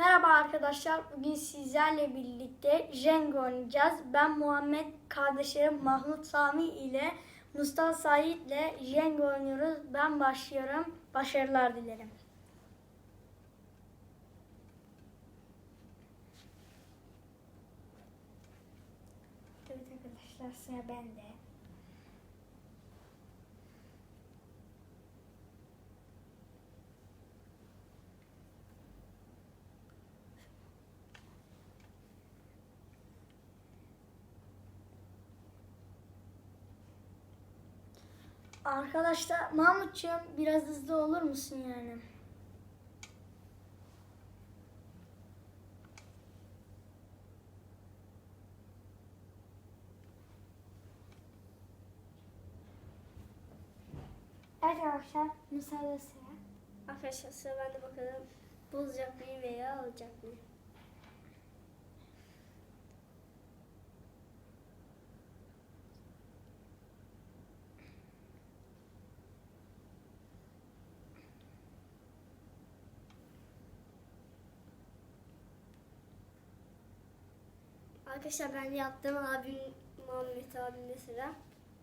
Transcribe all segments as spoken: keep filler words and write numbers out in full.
Merhaba arkadaşlar, bugün sizlerle birlikte Jenga oynayacağız. Ben Muhammed, kardeşlerim Mahmut Sami ile Mustafa Said ile Jenga oynuyoruz. Ben başlıyorum. Başarılar dilerim. Evet arkadaşlar, sıra bende. Arkadaşlar Mahmutcuğum biraz hızlı olur musun yani? Evet arkadaşlar müsaade sıra. Arkadaşlar sıra bende, bakalım bozacak mıyım veya alacak mıyım? Arkadaşlar ben yaptım, abim Muhammed abimde sıra.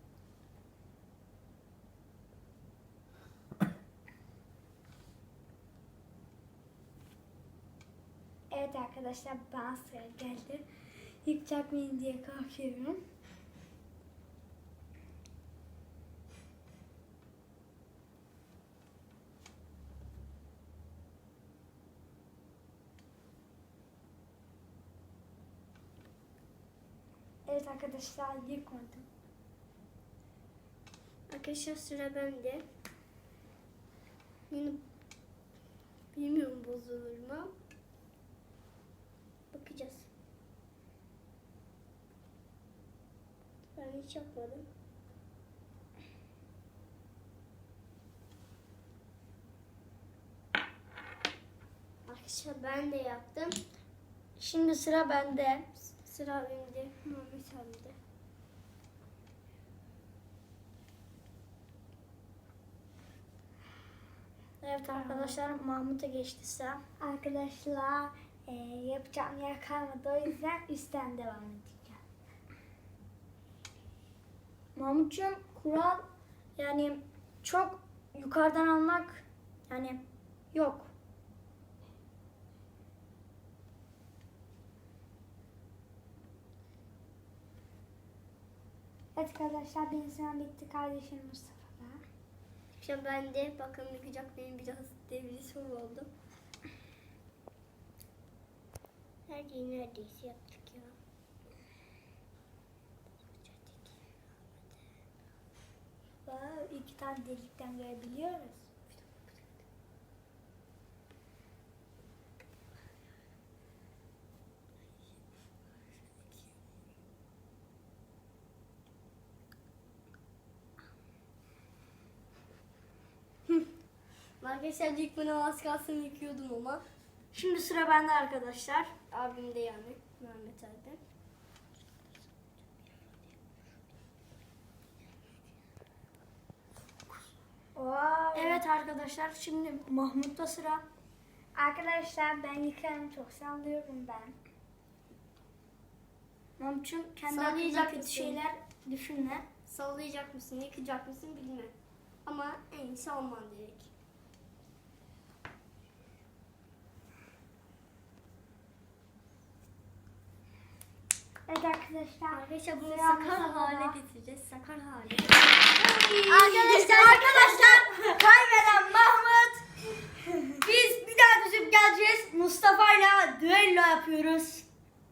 Evet arkadaşlar bana sıra geldi. Yıkacak mıyım diye korkuyorum. Evet arkadaşlar yıkmadım. Arkadaşlar sıra bende. Yine bilmiyorum bozulur mu? Bakacağız. Ben hiç yapmadım. Arkadaşlar ben de yaptım. Şimdi sıra bende. Sıra abimde, Muhammed abimde. Evet arkadaşlar Mahmut'a geçti sıra. Arkadaşlar e, yapacağım yer kalmadı, o yüzden üstten devam edeceğim. Mahmutcuğum kural yani çok yukarıdan almak yani yok. Evet arkadaşlar benim sıram bitti, kardeşim Mustafa'da. Şimdi ben de bakalım yıkacak benim, biraz devri soru oldu. Her şeyi neredeyse yaptık ya. Wow, iki tane delikten görebiliyoruz. Arkadaşlar ilk bana az kalsın yıkıyordum ama. Şimdi sıra bende arkadaşlar. Abim de yani Mehmet abi. Wow. Evet arkadaşlar şimdi Mahmut'ta sıra. Arkadaşlar ben yıkarım, çok sallıyorum ben. Mahmut'cum kendi hakkında Sallayacak kötü mısın? şeyler düşünme. Sallayacak mısın, yıkacak mısın bilmem. Ama en iyisi olman gerek. Evet arkadaşlar. Arkadaşlar bunu Sıra sakar Mustafa'da. hale getireceğiz. Sakar hale. Arkadaşlar arkadaşlar kaybeden Mahmut. Biz bir daha düşüp geleceğiz. Mustafa'yla düello yapıyoruz.